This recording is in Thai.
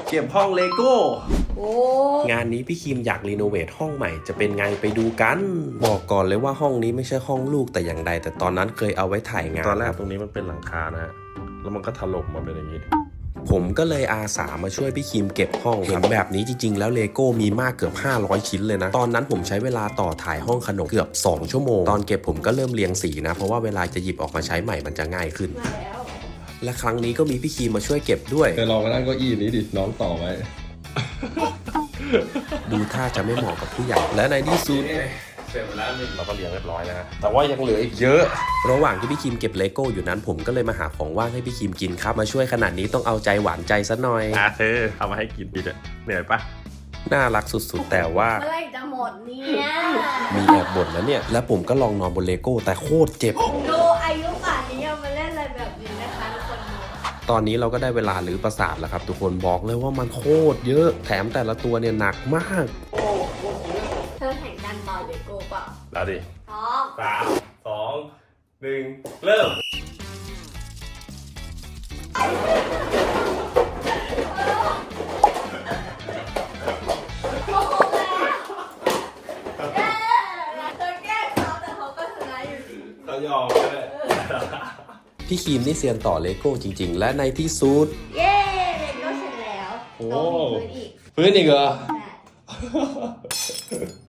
เก็บห้องเลโก้โอ้งานนี้พี่คิมอยากรีโนเวทห้องใหม่จะเป็นไงไปดูกันบอกก่อนเลยว่าห้องนี้ไม่ใช่ห้องลูกแต่อย่างใดแต่ตอนนั้นเคยเอาไว้ถ่ายงานตอนแรกตรงนี้มันเป็นหลังคานะฮะแล้วมันก็ถล่มมาเป็นอย่างนี้ผมก็เลยอาสามาช่วยพี่คิมเก็บห้องเห็นแบบนี้จริงๆแล้วเลโก้มีมากเกือบ500ชิ้นเลยนะตอนนั้นผมใช้เวลาต่อถ่ายห้องขนมเกือบ2ชั่วโมงตอนเก็บผมก็เริ่มเรียงสีนะเพราะว่าเวลาจะหยิบออกมาใช้ใหม่มันจะง่ายขึ้นมาแล้วและครั้งนี้ก็มีพี่คิมมาช่วยเก็บด้วยลองมานั่งเก้าอี้นี้ดิน้องต่อไว้ดูท่าจะไม่เหมาะกับผู้ใหญ่และในที่สุดเสร็จแล้วนี่เราก็เรียงเรียบร้อยนะแต่ว่ายังเหลืออีกเยอะระหว่างที่พี่คิมเก็บเลโก้อยู่นั้นผมก็เลยมาหาของว่างให้พี่คิมกินครับมาช่วยขนาดนี้ต้องเอาใจหวานใจซะหน่อยเธอเอามาให้กินดีเลยเหนื่อยปะน่ารักสุดๆแต่ว่าเมื่อไหรจะหมดเนี่ยมีแอบบ่นแล้วเนี่ยและผมก็ลองนอนบนเลโก้แต่โคตรเจ็บดูอายุป่านนี้ยังมาเล่นอะไรแบบนี้นะคะทุกคนดูตอนนี้เราก็ได้เวลารื้อประสาทแล้วครับทุกคนบอกเลยว่ามันโคตรเยอะแถมแต่ละตัวเนี่ยหนักมากเธอแข่งกันต่อเลโก้เปล่าแล้วดิพร้อม 3 2 1เริ่มโอ้โหแล้วเธอแกล้งเขาแต่เขาก็ชนะอยู่ดีเรายอมเลย พี่คิมนี่เซียนต่อเลโก้จริงๆ และในที่สุดเย้เลโก้เสร็จแล้วโอ้ต้องมีพื้นอีกพื้นอีกเหรอใช่